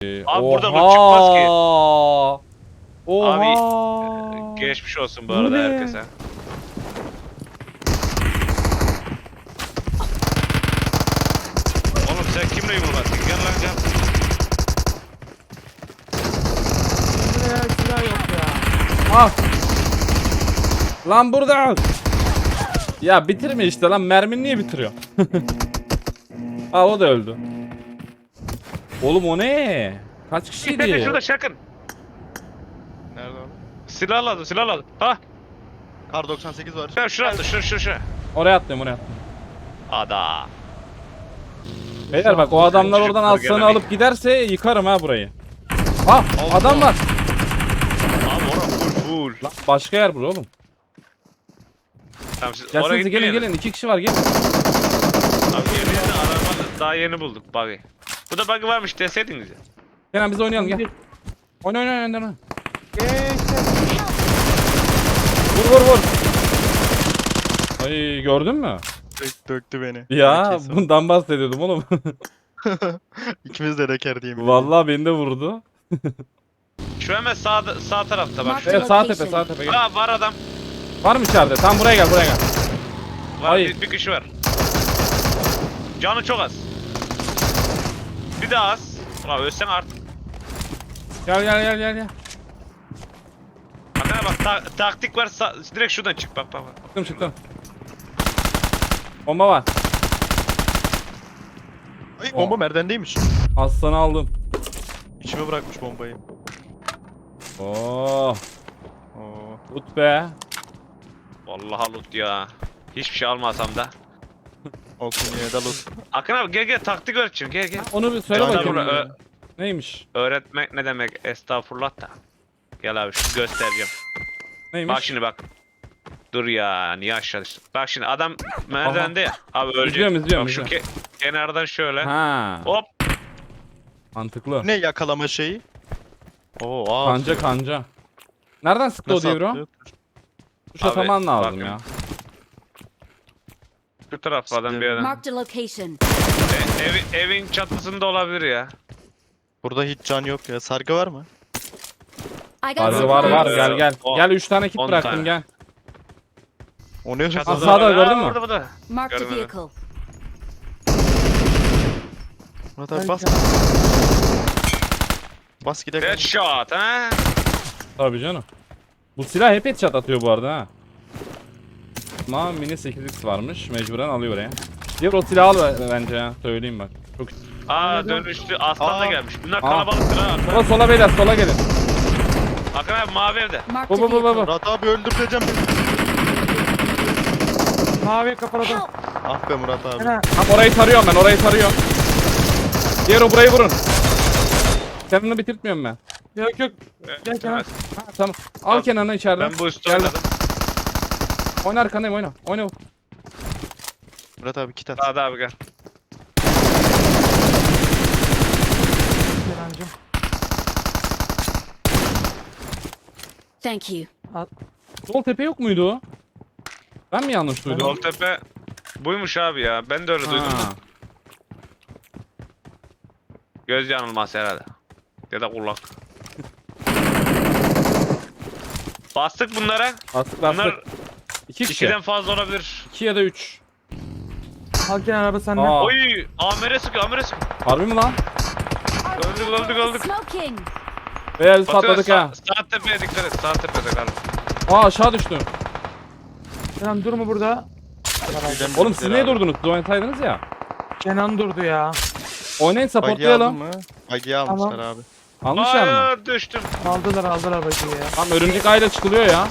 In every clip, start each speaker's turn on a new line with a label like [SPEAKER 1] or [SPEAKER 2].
[SPEAKER 1] Abi burada loot çıkmaz ki.
[SPEAKER 2] Oha.
[SPEAKER 1] Abi geçmiş olsun bu
[SPEAKER 2] Bu
[SPEAKER 1] arada
[SPEAKER 2] ne?
[SPEAKER 1] herkese. Oğlum sen kimle yumruladın? Gel lan gel.
[SPEAKER 3] Buraya silah yok ya.
[SPEAKER 2] Ah. Lan burada. Ya bitirme işte lan, mermin niye bitiriyor? Aa, o da öldü. Oğlum o ne? Kaç
[SPEAKER 1] Şurada
[SPEAKER 2] kişiydi?
[SPEAKER 1] şurada şakın.
[SPEAKER 4] Nerede o?
[SPEAKER 1] Silah aldım. Ha.
[SPEAKER 4] Kar 98 var.
[SPEAKER 1] Şuraya attı şu.
[SPEAKER 2] Oraya atlıyorum, oraya atlıyorum.
[SPEAKER 1] Ada.
[SPEAKER 2] Beyler bak, o adamlar
[SPEAKER 1] Çocuk
[SPEAKER 2] oradan aslanı
[SPEAKER 1] gelemeyin.
[SPEAKER 2] alıp giderse yıkarım ha burayı. Ah, adam var.
[SPEAKER 1] Abi orası full.
[SPEAKER 2] Lan başka yer bura oğlum.
[SPEAKER 1] Tamam siz oraya
[SPEAKER 2] Gelsenize, gelin
[SPEAKER 1] gitmeyin.
[SPEAKER 2] gelin, 2 kişi var, gelin.
[SPEAKER 1] Abi yeni araba daha yeni bulduk buggy. Bu da buggy varmış deseydiniz ya.
[SPEAKER 2] Kenan biz oynayalım, gel. Oyna.
[SPEAKER 3] Geçti.
[SPEAKER 2] Vur. Ay, gördün mü?
[SPEAKER 4] Döktü beni.
[SPEAKER 2] Ya
[SPEAKER 4] Kesin.
[SPEAKER 2] bundan bahsediyordum oğlum.
[SPEAKER 4] İkimiz de reker diyeyim.
[SPEAKER 2] Vallahi beni de vurdu.
[SPEAKER 1] Şu hemen sağ tarafta bak.
[SPEAKER 2] Evet, sağ tepe gel.
[SPEAKER 1] Aa var adam.
[SPEAKER 2] Var mı içeride? Tam buraya gel.
[SPEAKER 1] Var
[SPEAKER 2] Ay.
[SPEAKER 1] bir kişi var. Canı çok az. Bir daha az. Ulan ölsen artık.
[SPEAKER 2] Gel.
[SPEAKER 1] Bakana bak taktik var direkt şuradan çık bak.
[SPEAKER 2] Çıktım. Bomba var.
[SPEAKER 4] Ay bomba merdendeymiş.
[SPEAKER 2] Aslanı aldım.
[SPEAKER 4] İçime bırakmış bombayı.
[SPEAKER 2] Oo,
[SPEAKER 4] Oo.
[SPEAKER 2] tut be.
[SPEAKER 1] Vallahi loot ya. Hiçbir şey almasam da.
[SPEAKER 4] Okunya'ya da loot.
[SPEAKER 1] Akın abi gel taktik öğreteceğim gel.
[SPEAKER 2] Onu bir söyle
[SPEAKER 4] Aynen
[SPEAKER 2] bakayım.
[SPEAKER 1] öyle.
[SPEAKER 2] Neymiş?
[SPEAKER 1] Öğretmek ne demek estağfurullah da. Gel abi şu göstereceğim.
[SPEAKER 2] Neymiş?
[SPEAKER 1] Bak şimdi bak. Dur ya niye aşağı düştün? Bak şimdi adam merdivende ya. Abi ölecek.
[SPEAKER 2] İzliyorum.
[SPEAKER 1] Bak şu kenardan şöyle.
[SPEAKER 2] Ha.
[SPEAKER 1] Hop.
[SPEAKER 2] Mantıklı.
[SPEAKER 4] Ne yakalama şeyi? Oo aa.
[SPEAKER 2] Kanca. Nereden sıktı o
[SPEAKER 4] Nasıl
[SPEAKER 2] diye bro?
[SPEAKER 4] atlıyor?
[SPEAKER 2] Tuş ataman lazım
[SPEAKER 1] bakın.
[SPEAKER 2] ya.
[SPEAKER 1] Şu taraflardan bir yerden.
[SPEAKER 5] Marked a location.
[SPEAKER 1] Evin çatısında olabilir ya.
[SPEAKER 4] Burada hiç can yok ya. Sargı var mı?
[SPEAKER 5] I got
[SPEAKER 2] Sargı var
[SPEAKER 5] supplies.
[SPEAKER 2] gel.
[SPEAKER 1] O-
[SPEAKER 2] Gel 3 tane kit
[SPEAKER 1] 10
[SPEAKER 2] bıraktım
[SPEAKER 1] tane.
[SPEAKER 2] gel.
[SPEAKER 4] O ne hızlı?
[SPEAKER 1] Çatıda
[SPEAKER 2] sağda
[SPEAKER 1] var.
[SPEAKER 2] gördün mü?
[SPEAKER 1] Burada.
[SPEAKER 5] Marked a
[SPEAKER 1] Görmedim.
[SPEAKER 5] vehicle.
[SPEAKER 4] Murat abi bas. Bas gidelim.
[SPEAKER 1] Headshot ha.
[SPEAKER 2] Tabii canım. Bu silah hep headshot atıyor bu arada ha. Ama mini 8x varmış. Mecburen alıyor oraya. Diğer o silahı al bence ya. Söyleyeyim bak. Çok...
[SPEAKER 1] Aa dönüştü. Aslan da
[SPEAKER 4] Aa.
[SPEAKER 1] gelmiş. Bunlar
[SPEAKER 2] Aa.
[SPEAKER 1] kalabalıktır ha.
[SPEAKER 2] Sola beyler, sola gelin.
[SPEAKER 1] Akın abi mavi evde.
[SPEAKER 5] Marked a
[SPEAKER 2] Bu.
[SPEAKER 5] vehicle.
[SPEAKER 4] Murat abi öldüreceğim.
[SPEAKER 3] Mavi kapaladım.
[SPEAKER 5] Help.
[SPEAKER 4] Ah be Murat abi.
[SPEAKER 3] Kenan.
[SPEAKER 2] Tam orayı tarıyorum ben, Diğer o burayı vurun. Kenan'ı bitirtmiyorum ben.
[SPEAKER 3] Yok. Gel Kenan.
[SPEAKER 1] Evet.
[SPEAKER 2] Ha, tamam. Al Kenan'ı içeriden.
[SPEAKER 1] Ben bu üstü
[SPEAKER 2] Geldim.
[SPEAKER 1] oynadım.
[SPEAKER 2] Oyna arkandayım, oyna.
[SPEAKER 4] Murat abi kit at.
[SPEAKER 1] Hadi abi gel.
[SPEAKER 3] Kenancığım.
[SPEAKER 5] Thank you.
[SPEAKER 2] Sol tepe yok muydu o? Ben mi yanlış duydum?
[SPEAKER 1] Yoltepe buymuş abi ya. Ben de öyle duydum.
[SPEAKER 2] Ha.
[SPEAKER 1] Göz yanılması herhalde. Ya da kulak. Bastık bunlara.
[SPEAKER 2] Bastık.
[SPEAKER 1] Bunlar
[SPEAKER 2] 2 kişi.
[SPEAKER 1] 2'den fazla olabilir.
[SPEAKER 2] 2 ya da 3.
[SPEAKER 3] Al Kenan araba sende.
[SPEAKER 2] Aa.
[SPEAKER 1] Oy! Amere sıkıyor.
[SPEAKER 2] Harbi mi lan?
[SPEAKER 1] Öldük.
[SPEAKER 5] Smoking.
[SPEAKER 2] Beyler biz
[SPEAKER 1] Batıyor,
[SPEAKER 2] patladık ha.
[SPEAKER 1] Sağ tepeye dikkat et. Sağ tepede galiba.
[SPEAKER 2] Aa, aşağı düştüm.
[SPEAKER 3] Kenan durma burada.
[SPEAKER 2] Oğlum siz niye durdunuz? Siz oynasaydınız ya.
[SPEAKER 3] Kenan durdu ya.
[SPEAKER 2] Oynayın,
[SPEAKER 4] Bagiyi aldın
[SPEAKER 2] supportlayalım.
[SPEAKER 4] mı? Bagiyi almışlar
[SPEAKER 3] Tamam.
[SPEAKER 4] abi.
[SPEAKER 2] Almışlar mı?
[SPEAKER 1] Aa düştüm.
[SPEAKER 3] Aldılar bakayım ya.
[SPEAKER 2] Tam örümcek ayla çıkılıyor ya.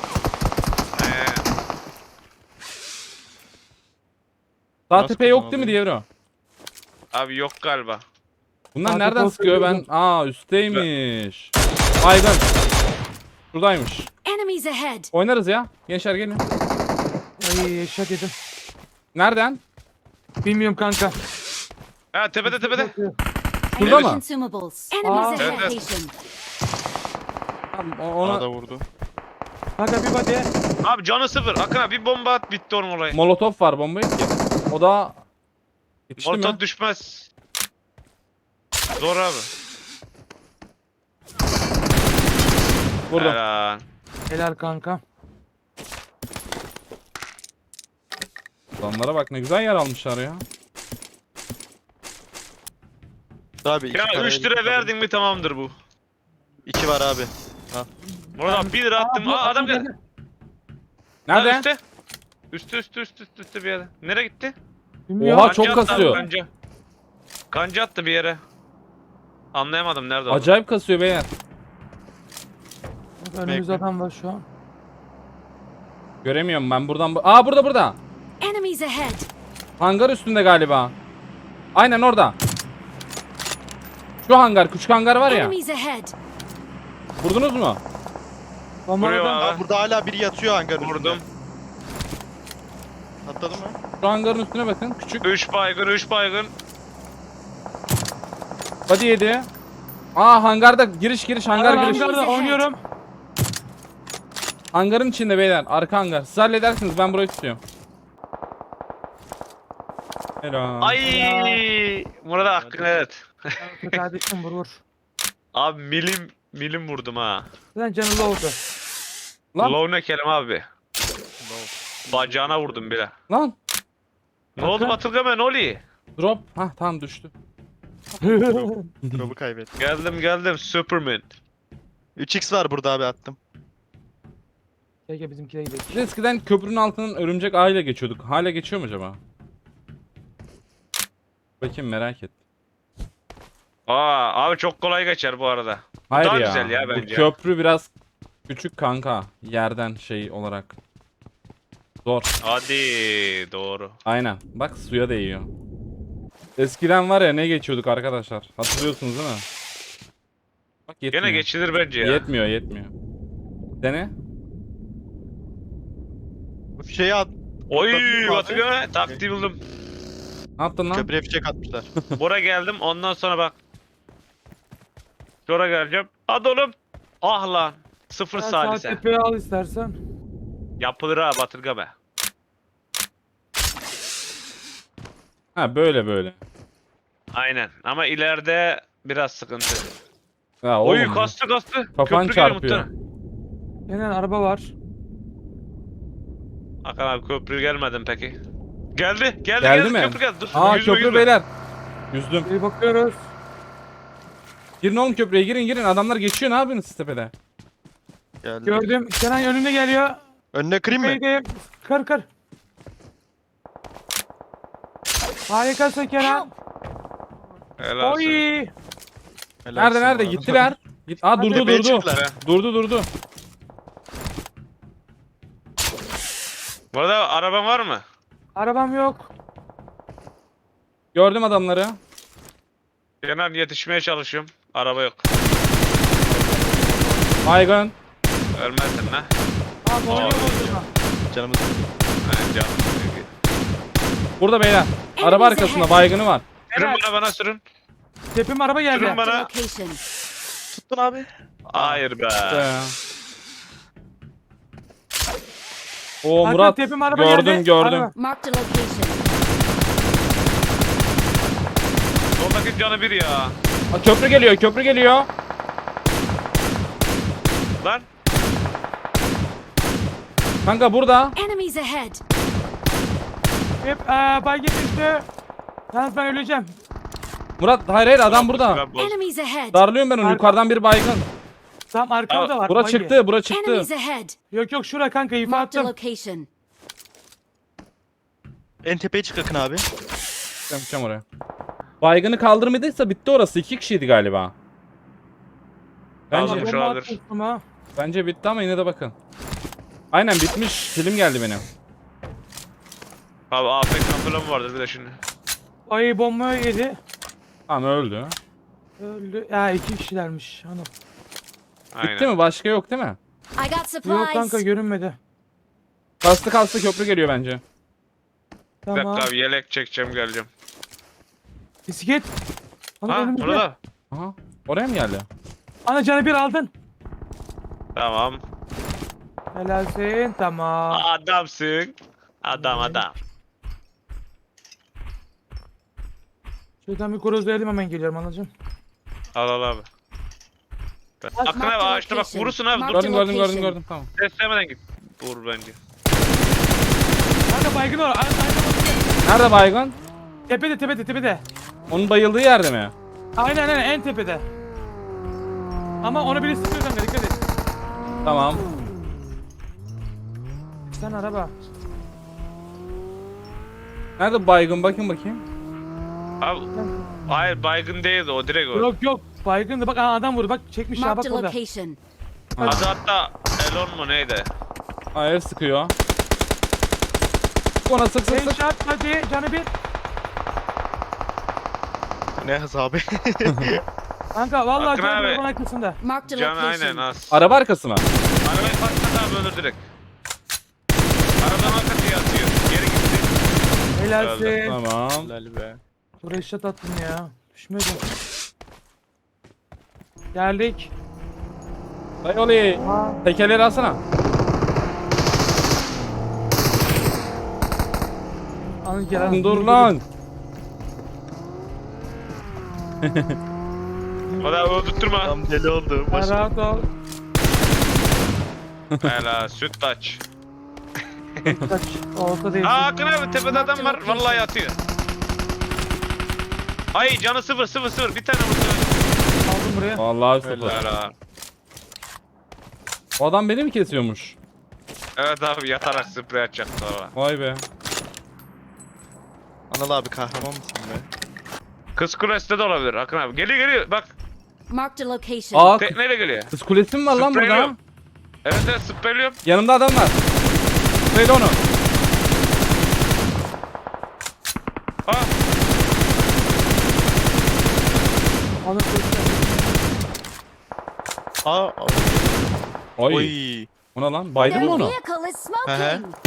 [SPEAKER 2] Sağ
[SPEAKER 4] Nasıl
[SPEAKER 2] tepe yok değil mi
[SPEAKER 4] kullanılıyor?
[SPEAKER 2] diye bro?
[SPEAKER 1] Abi yok galiba.
[SPEAKER 2] Bunlar
[SPEAKER 3] Sağ
[SPEAKER 2] nereden
[SPEAKER 3] tepe
[SPEAKER 2] sıkıyor ben?
[SPEAKER 3] olsaydı
[SPEAKER 2] Aa, üstteymiş. Aydın. Şuradaymış.
[SPEAKER 5] Enemies ahead.
[SPEAKER 2] Oynarız ya. Gençler gelin.
[SPEAKER 3] Ay eşek yedim.
[SPEAKER 2] Nereden?
[SPEAKER 3] Bilmiyorum kanka.
[SPEAKER 1] Ha tepede.
[SPEAKER 2] Şurada
[SPEAKER 5] I need
[SPEAKER 2] mı?
[SPEAKER 5] consumables. Enemies
[SPEAKER 3] Aa.
[SPEAKER 5] ahead.
[SPEAKER 1] Evet.
[SPEAKER 5] Location.
[SPEAKER 2] Tamam,
[SPEAKER 4] Ona
[SPEAKER 2] ona
[SPEAKER 4] da vurdu.
[SPEAKER 3] Kanka bir body.
[SPEAKER 1] Abi canı sıfır. Akın abi bir bomba at bitti onun olayı.
[SPEAKER 2] molotof var, bomba yok ki. O da yetişti mi?
[SPEAKER 1] Molotov düşmez. Zor abi.
[SPEAKER 2] Vurdum.
[SPEAKER 1] Helal.
[SPEAKER 3] Helal kanka.
[SPEAKER 2] Adamlara bak ne güzel yer almışlar ya.
[SPEAKER 4] Abi 2
[SPEAKER 1] Ya 3 lira verdin mi tamamdır bu.
[SPEAKER 4] 2 var abi.
[SPEAKER 1] Burada 1 lira attım.
[SPEAKER 3] bu
[SPEAKER 1] Aa adam geldi.
[SPEAKER 2] Nerede?
[SPEAKER 1] Lan üstte bir yere. Nereye gitti?
[SPEAKER 3] Bilmiyorum.
[SPEAKER 2] Oha, çok
[SPEAKER 1] Kanca attı abi,
[SPEAKER 2] kasıyor.
[SPEAKER 1] Kanca. Kanca attı bir yere. Anlayamadım nerede olduğunu.
[SPEAKER 2] Acayip kasıyor beyler.
[SPEAKER 3] Önümüzde adam var şu an.
[SPEAKER 2] Göremiyorum ben buradan. Aa burada.
[SPEAKER 5] Enemies ahead.
[SPEAKER 2] Hangar üstünde galiba. Aynen orada. Şu hangar, küçük hangar var ya.
[SPEAKER 5] Enemies ahead.
[SPEAKER 2] Vurdunuz mu?
[SPEAKER 3] Bomba
[SPEAKER 1] Vuruyor
[SPEAKER 3] adam.
[SPEAKER 1] abi.
[SPEAKER 4] Abi burada hala biri yatıyor hangarın üstünde.
[SPEAKER 1] Vurdum.
[SPEAKER 4] Atladı mı?
[SPEAKER 2] Şu hangarın üstüne bakın. Küçük.
[SPEAKER 1] 3 baygın.
[SPEAKER 2] Body yedi. Aa hangarda giriş hangar
[SPEAKER 3] Hangar
[SPEAKER 2] giriş.
[SPEAKER 3] hangarda oynuyorum.
[SPEAKER 2] Hangarın içinde beyler. Arka hangar. Siz halledersiniz ben burayı tutuyorum. Helal.
[SPEAKER 1] Ay! Murat hakkını evet.
[SPEAKER 3] Kardeşim vur.
[SPEAKER 1] Abi milim vurdum ha.
[SPEAKER 3] Zaten canı oldu.
[SPEAKER 2] Lan.
[SPEAKER 1] Low ne kelime abi? Bacağına vurdum bile.
[SPEAKER 2] Lan.
[SPEAKER 1] Ne oldu Batılgama ne oluyor?
[SPEAKER 2] Drop. Hah tamam düştü.
[SPEAKER 4] Drop'u kaybettim.
[SPEAKER 1] Geldim Superman.
[SPEAKER 4] 3x var burada abi attım.
[SPEAKER 3] Peki bizimkine gidelim.
[SPEAKER 2] Biz eskiden köprünün altından örümcek ağıyla geçiyorduk. Hala geçiyor mu acaba? Bakayım merak et.
[SPEAKER 1] Aa abi çok kolay geçer bu arada.
[SPEAKER 2] Hayır
[SPEAKER 1] daha
[SPEAKER 2] ya.
[SPEAKER 1] güzel ya
[SPEAKER 2] Bu
[SPEAKER 1] bence.
[SPEAKER 2] köprü biraz küçük kanka. Yerden şey olarak. Zor.
[SPEAKER 1] Hadi doğru.
[SPEAKER 2] Aynen. Bak suya değiyor. Eskiden var ya ne geçiyorduk arkadaşlar. Hatırlıyorsunuz değil mi? Bak yetmiyor.
[SPEAKER 1] Gene geçilir bence ya.
[SPEAKER 2] Yetmiyor. Dene.
[SPEAKER 4] Bu fişeği at.
[SPEAKER 1] Oy
[SPEAKER 4] Atabilir mi abi?
[SPEAKER 1] Batılgama taktiği buldum.
[SPEAKER 2] Ne yaptın lan?
[SPEAKER 4] Köprüye fişek atmışlar.
[SPEAKER 1] Bora geldim ondan sonra bak. Sonra geleceğim. Hadi oğlum. Ah lan. Sıfır
[SPEAKER 3] Sağ
[SPEAKER 1] salise.
[SPEAKER 3] tepeye al istersen.
[SPEAKER 1] Yapılır ha Batılgama.
[SPEAKER 2] Ha böyle.
[SPEAKER 1] Aynen ama ileride biraz sıkıntı.
[SPEAKER 2] Ha,
[SPEAKER 1] Oy
[SPEAKER 2] oğlum.
[SPEAKER 1] kastı.
[SPEAKER 2] Kafan
[SPEAKER 1] Köprü geliyor
[SPEAKER 2] çarpıyor.
[SPEAKER 1] muhtemelen.
[SPEAKER 3] Yine araba var.
[SPEAKER 1] Hakan abi köprü gelmedin peki. Geldi
[SPEAKER 2] Geldi mi?
[SPEAKER 1] köprü geldi. Dur.
[SPEAKER 2] Aa
[SPEAKER 1] yüzme,
[SPEAKER 2] köprü
[SPEAKER 1] yüzme.
[SPEAKER 2] beyler. Yüzdüm.
[SPEAKER 3] Bir bakıyoruz.
[SPEAKER 2] Girin oğlum köprüye girin. Adamlar geçiyor ne yapıyorsunuz siz tepede?
[SPEAKER 4] Geldi.
[SPEAKER 3] Gördüm. Kenan önünde geliyor.
[SPEAKER 4] Önüne kırayım mı?
[SPEAKER 3] Haydi. Kır. Harikasın Kenan.
[SPEAKER 1] Helal olsun.
[SPEAKER 3] Oy.
[SPEAKER 4] Helalsin
[SPEAKER 2] Nerede?
[SPEAKER 4] bu arada.
[SPEAKER 2] Gittiler. Git. Aa durdu.
[SPEAKER 4] Tepeye çıktılar.
[SPEAKER 2] Durdu.
[SPEAKER 1] Bu arada araban var mı?
[SPEAKER 3] Arabam yok.
[SPEAKER 2] Gördüm adamları.
[SPEAKER 1] Kenan yetişmeye çalışıyorum. Araba yok.
[SPEAKER 2] Baygın.
[SPEAKER 1] Ölmezsin lan.
[SPEAKER 3] Abi oynuyor mu?
[SPEAKER 4] Canımız.
[SPEAKER 1] Aynen canım.
[SPEAKER 2] Burada beyler. Araba arkasında baygını var.
[SPEAKER 1] Sürün bana sürün.
[SPEAKER 3] Tepim araba geldi.
[SPEAKER 1] Sürün bana.
[SPEAKER 5] Location.
[SPEAKER 4] Tuttun abi.
[SPEAKER 1] Hayır be.
[SPEAKER 2] O
[SPEAKER 3] Hakan,
[SPEAKER 2] Murat.
[SPEAKER 3] tepim araba geldi.
[SPEAKER 2] Gördüm.
[SPEAKER 3] Araba.
[SPEAKER 5] Marked a location.
[SPEAKER 1] Soldaki canı bir ya.
[SPEAKER 2] Aa, köprü geliyor.
[SPEAKER 1] Lan.
[SPEAKER 2] Kanka burada.
[SPEAKER 5] Enemies ahead.
[SPEAKER 3] Hep baygın düştü. Yalnız ben öleceğim.
[SPEAKER 2] Murat hayır adam burada.
[SPEAKER 1] Ben boz-
[SPEAKER 5] Enemies ahead.
[SPEAKER 2] Darlıyorum ben onu.
[SPEAKER 3] Arka-
[SPEAKER 2] Yukarıdan bir baygın.
[SPEAKER 3] Tam arkamda var.
[SPEAKER 2] Bura
[SPEAKER 3] baygın.
[SPEAKER 2] çıktı.
[SPEAKER 5] Enemies ahead.
[SPEAKER 3] Yok şura kanka ifa
[SPEAKER 5] Marked a
[SPEAKER 3] attım.
[SPEAKER 5] location.
[SPEAKER 4] En tepeye çık Akın abi.
[SPEAKER 2] Yapacağım oraya. Baygını kaldırmadıysa bitti orası. 2 kişiydi galiba. Bence,
[SPEAKER 1] Aldım.
[SPEAKER 3] Bomba
[SPEAKER 1] olabilir.
[SPEAKER 3] atmıştım ha.
[SPEAKER 2] bence bitti ama yine de bakın. Aynen bitmiş. Film geldi benim.
[SPEAKER 1] Abi AFK falan mı vardır bir de şimdi.
[SPEAKER 3] Ay bomba yedi.
[SPEAKER 2] Tamam öldü.
[SPEAKER 3] Öldü. Ya 2 kişilermiş. Hanım.
[SPEAKER 1] Aynen.
[SPEAKER 2] Bitti mi? Başka yok değil mi?
[SPEAKER 5] I got
[SPEAKER 3] Yok kanka
[SPEAKER 5] supplies.
[SPEAKER 3] görünmedi.
[SPEAKER 2] Kastı köprü geliyor bence.
[SPEAKER 1] Bir dakika
[SPEAKER 3] Tamam.
[SPEAKER 1] abi yelek çekeceğim geleceğim.
[SPEAKER 3] Bisiklet. Ana
[SPEAKER 1] Ha
[SPEAKER 3] önümüzde.
[SPEAKER 1] burada.
[SPEAKER 2] Aha. Oraya mı geldi?
[SPEAKER 3] Ana canı bir aldın.
[SPEAKER 1] Tamam.
[SPEAKER 3] Helalsin. Tamam.
[SPEAKER 1] Adamsın. Adam.
[SPEAKER 3] Şuradan bir korozlayalım hemen geliyorum anacığım.
[SPEAKER 1] Al abi. Akın abi ağaçta bak vurursun abi. Dur.
[SPEAKER 2] Gördüm gördüm gördüm
[SPEAKER 5] Location.
[SPEAKER 2] gördüm tamam.
[SPEAKER 1] Destemeden git. Vur bence.
[SPEAKER 3] Kanka baygın var.
[SPEAKER 2] Nerede baygın?
[SPEAKER 3] Tepede.
[SPEAKER 2] Onun bayıldığı yerde mi?
[SPEAKER 3] Aynen en tepede. Ama onu biri sıkıyor kanka, dikkat et.
[SPEAKER 2] Tamam.
[SPEAKER 3] Sen araba.
[SPEAKER 2] Nerede baygın bakayım.
[SPEAKER 1] Abi hayır baygın değildi o direkt o.
[SPEAKER 3] Yok baygın da bak adam vurdu, bak çekmiş ya, bak
[SPEAKER 5] Marked a
[SPEAKER 3] orada.
[SPEAKER 5] location.
[SPEAKER 1] Adı hatta Elon mu neydi?
[SPEAKER 2] Hayır sıkıyor. Ona sık.
[SPEAKER 3] Headshot hadi canı bir.
[SPEAKER 4] Ne hız abi?
[SPEAKER 3] Kanka vallahi
[SPEAKER 1] Akın
[SPEAKER 3] canı
[SPEAKER 1] abi.
[SPEAKER 3] bir arabanın arkasında.
[SPEAKER 5] Marked a
[SPEAKER 1] Can aynen
[SPEAKER 5] location.
[SPEAKER 1] az.
[SPEAKER 2] Araba arkası mı?
[SPEAKER 1] Arabayı patlat abi ölür direkt. Arabanın arkası yatıyor. Geri gitti.
[SPEAKER 3] Helalsin.
[SPEAKER 2] Tamam.
[SPEAKER 4] Helal be.
[SPEAKER 3] Buraya shot attım ya. Düşmüyordu. Geldik.
[SPEAKER 2] Dayı olayı.
[SPEAKER 3] Aa,
[SPEAKER 2] Tekerleri alsana.
[SPEAKER 3] alın gel alın.
[SPEAKER 2] Dur lan.
[SPEAKER 1] O da öldürtme.
[SPEAKER 4] Tam deli oldu.
[SPEAKER 3] Sen
[SPEAKER 4] Başım.
[SPEAKER 3] rahat ol.
[SPEAKER 1] Helal süt taç.
[SPEAKER 3] Kaç. Olsa değil.
[SPEAKER 1] Aa Akın abi tepede adam var. Vallahi yatıyor. Ay canı 0. Bir tane vurdu.
[SPEAKER 3] Aldım buraya.
[SPEAKER 2] Vallahi sıfır.
[SPEAKER 1] Helal.
[SPEAKER 2] O adam beni mi kesiyormuş?
[SPEAKER 1] Evet abi yatarak sprey atacak sonra.
[SPEAKER 2] Vay be.
[SPEAKER 4] Anıl abi kahraman mısın be?
[SPEAKER 1] Kız kulesinde de olabilir Akın abi. Geliyor bak.
[SPEAKER 5] Marked a location.
[SPEAKER 2] Aa
[SPEAKER 1] Tekneyle geliyor.
[SPEAKER 2] kız kulesi mi var lan burada?
[SPEAKER 1] Spreyliyorum. Evet spreyliyorum.
[SPEAKER 2] Yanımda adam var. Söyle onu.
[SPEAKER 1] Aa
[SPEAKER 3] Alın çocuklar.
[SPEAKER 4] Aa.
[SPEAKER 2] Oy.
[SPEAKER 4] Oy.
[SPEAKER 2] Ona lan. Baydın mı
[SPEAKER 5] Their
[SPEAKER 2] onu?
[SPEAKER 5] vehicle is
[SPEAKER 4] Hı hı.
[SPEAKER 5] smoking.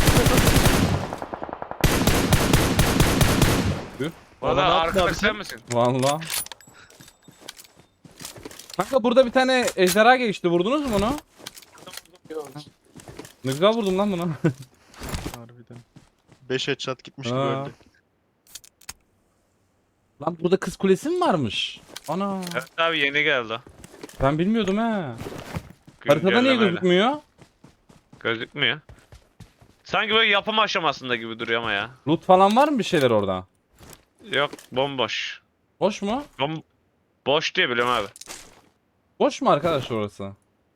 [SPEAKER 1] o
[SPEAKER 4] Ona
[SPEAKER 1] da
[SPEAKER 4] ne yaptın
[SPEAKER 1] arkadaş
[SPEAKER 4] abi
[SPEAKER 1] sen
[SPEAKER 4] sen?
[SPEAKER 1] misin?
[SPEAKER 2] Valla. Kanka burada bir tane ejderha geçti. Vurdunuz mu onu? Ne güzel vurdum lan bunu.
[SPEAKER 4] Harbiden. 5 headshot gitmiş gibi
[SPEAKER 2] Ha.
[SPEAKER 4] öldü.
[SPEAKER 2] Lan burada kız kulesi mi varmış? Ana.
[SPEAKER 1] Evet abi yeni geldi.
[SPEAKER 2] Ben bilmiyordum ha. Haritada niye
[SPEAKER 1] Güncellemeyle.
[SPEAKER 2] gözükmüyor?
[SPEAKER 1] Gözükmüyor. Sanki böyle yapım aşamasında gibi duruyor ama ya.
[SPEAKER 2] Loot falan var mı bir şeyler orada?
[SPEAKER 1] Yok bomboş.
[SPEAKER 2] Boş mu?
[SPEAKER 1] Boş diye biliyorum abi.
[SPEAKER 2] Boş mu arkadaş orası?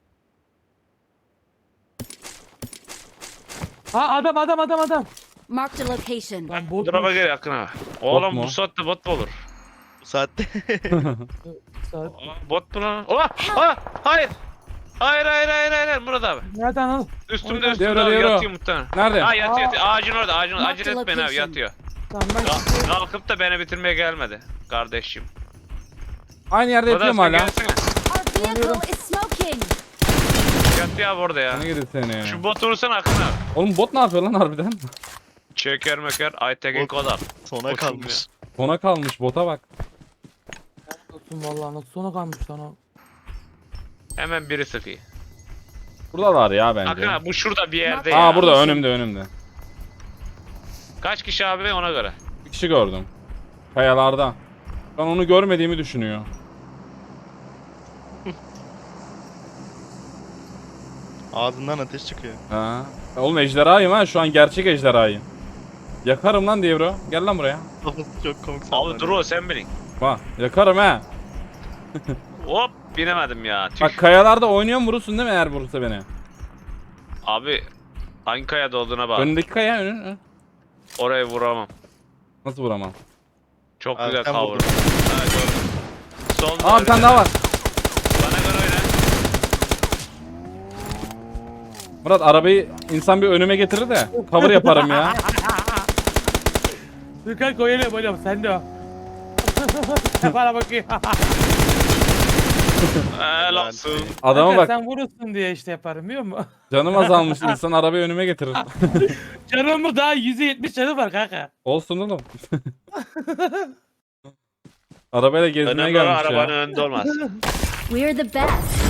[SPEAKER 3] Ha adam.
[SPEAKER 5] Marked a location.
[SPEAKER 3] Lan bot
[SPEAKER 1] Duraba
[SPEAKER 3] mu?
[SPEAKER 1] gel yakın abi. Oğlum
[SPEAKER 2] mu?
[SPEAKER 1] bu saatte bot mu olur?
[SPEAKER 4] Bu saatte.
[SPEAKER 3] Saat.
[SPEAKER 1] Aa, bot mu lan? Oha! Aa! Hayır! Hayır Murat abi.
[SPEAKER 3] Nereden al?
[SPEAKER 1] Üstümde
[SPEAKER 3] Oradan.
[SPEAKER 1] üstümde
[SPEAKER 2] Devre,
[SPEAKER 1] abi,
[SPEAKER 2] devre.
[SPEAKER 1] yatıyor muhtemelen.
[SPEAKER 2] Nerede?
[SPEAKER 1] Ha yatıyor. Ağacın orada ağacın
[SPEAKER 5] Mark
[SPEAKER 1] acele
[SPEAKER 5] the
[SPEAKER 1] etmeyin abi
[SPEAKER 5] location.
[SPEAKER 1] yatıyor.
[SPEAKER 3] Tamam ben
[SPEAKER 1] Kalkıp da beni bitirmeye gelmedi. Kardeşim.
[SPEAKER 2] Aynı yerde
[SPEAKER 1] Murat
[SPEAKER 2] yapıyorum
[SPEAKER 1] sen
[SPEAKER 2] hala.
[SPEAKER 1] gelsene.
[SPEAKER 5] Our vehicle is smoking.
[SPEAKER 1] Yatıyor abi orada ya.
[SPEAKER 2] Sana gidi seni.
[SPEAKER 1] Şu botu vursana Akın abi.
[SPEAKER 2] Oğlum bot ne yapıyor lan harbiden?
[SPEAKER 1] Çeker meker Aytekin
[SPEAKER 4] Bot.
[SPEAKER 1] Kodar.
[SPEAKER 4] Sona
[SPEAKER 1] Boşum
[SPEAKER 4] kalmış.
[SPEAKER 2] Sona kalmış bota bak.
[SPEAKER 3] olsun vallahi nasıl sona kalmış lan o.
[SPEAKER 1] Hemen biri sıkıyor.
[SPEAKER 2] Buradalar ya
[SPEAKER 1] Akın
[SPEAKER 2] bence.
[SPEAKER 1] abi bu şurada bir yerde
[SPEAKER 5] Aa,
[SPEAKER 1] ya.
[SPEAKER 2] Aa burada önümde.
[SPEAKER 1] Kaç kişi abi ona göre.
[SPEAKER 2] Bir kişi gördüm. Kayalarda. Ben onu görmediğimi düşünüyor.
[SPEAKER 4] Ağzından ateş çıkıyor.
[SPEAKER 2] Ha. Oğlum ejderhayım ha şu an gerçek ejderhayım. Yakarım lan diye bro. Gel lan buraya.
[SPEAKER 4] Kafası çok komik
[SPEAKER 1] Abi
[SPEAKER 4] sallanıyor.
[SPEAKER 1] dur o sen binin.
[SPEAKER 2] Bak yakarım ha.
[SPEAKER 1] Hop binemedim ya. Tüh.
[SPEAKER 2] Bak kayalarda oynuyorum vurursun değil mi eğer vurursa beni?
[SPEAKER 1] Abi hangi kayada olduğuna bak.
[SPEAKER 2] Önündeki kaya önü.
[SPEAKER 1] Oraya vuramam.
[SPEAKER 2] Nasıl vuramam?
[SPEAKER 1] Çok
[SPEAKER 4] Abi
[SPEAKER 1] güzel
[SPEAKER 4] sen
[SPEAKER 1] cover.
[SPEAKER 4] vurdun.
[SPEAKER 1] Ha gördüm. Solda
[SPEAKER 2] Aa bir tane daha var.
[SPEAKER 1] Bana göre oyna.
[SPEAKER 2] Murat arabayı insan bir önüme getirir de cover yaparım ya.
[SPEAKER 3] Dükkan koyalım oğlum sen de o. Bana bakayım.
[SPEAKER 1] Helal olsun.
[SPEAKER 2] Adama
[SPEAKER 3] Kanka,
[SPEAKER 2] bak
[SPEAKER 3] sen vurursun diye işte yaparım biliyor musun?
[SPEAKER 2] canım azalmış insan arabayı önüme getirir.
[SPEAKER 3] Canımı daha %70 canı var kanka.
[SPEAKER 2] Olsun oğlum. Arabayla gezmeye
[SPEAKER 1] Önemli olan
[SPEAKER 2] gelmiş
[SPEAKER 1] arabanın
[SPEAKER 2] ya.
[SPEAKER 1] önünde olmaz.
[SPEAKER 5] We're the best.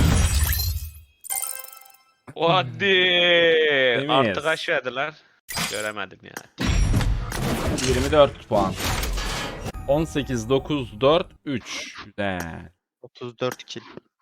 [SPEAKER 1] Hadi. Artı
[SPEAKER 2] miyiz?
[SPEAKER 1] kaç verdiler? Göremedim ya.
[SPEAKER 2] 24 puan. 18 9 4 3. Güzel.
[SPEAKER 4] 34 kill.